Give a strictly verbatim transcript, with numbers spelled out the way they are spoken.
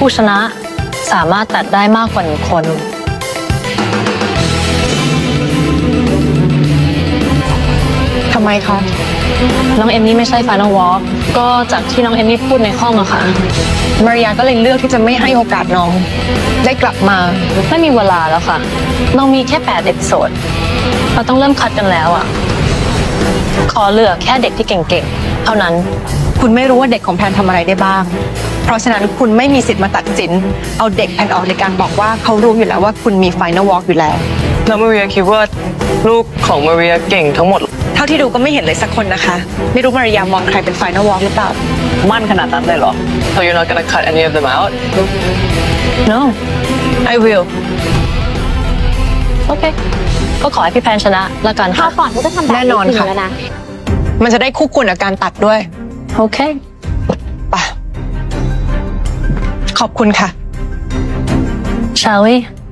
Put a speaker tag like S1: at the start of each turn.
S1: ผู้ชนะสามารถตัดได้มากกว่าหนึ่งคน
S2: ทำไมคะ
S1: น้องเอมมี่ไม่ใช่ Final Walk ก็จากที่น้องเอมมี่พูดในห้องอะค่ะ
S2: มาริยาก็เลยเลือกที่จะไม่ให้โอกาสน้อง ได้กลับมา
S1: ไม่มีเวลาแล้วค่ะน้องมีแค่แปดเอพิโซดเราต้องเริ่มคัดกันแล้วอะขอเหลือแค่เด็กที่เก่งๆเท่านั้น
S2: คุณไม่รู้ว่าเด็กของแพนทำอะไรได้บ้าง เพราะฉะนั้นคุณไม่มีสิทธิ์มาตัดสิน เอาเด็กแพนออกในการบอกว่าเขารู้อยู่แล้วว่าคุณมี Final Walk อยู่แล้ว
S3: แล้วมาเรียคิดว่าลูกของมาเรียเก่งทั้งหมด
S2: เท่าที่ดูก็ไม่เห็นเลยสักคนนะคะ ไม่รู้มาริยามองใครเป็น Final Walk หรือเปล่า
S3: มั่นขนาดนั้นเลยเหรอ So you're not gonna cut any of them out?
S1: no I will โอเคก็ขอให้พี่แพนชนะละกัน
S4: ครา
S1: ค่ะ
S4: วก่อนก็จะทำแบบ
S2: แน่นอนค่ะ
S4: แล้วนะ
S2: มันจะได้คู่ควรกับการตัดด้วย
S1: โอเค
S2: ไปขอบคุณค่ะ
S1: shall we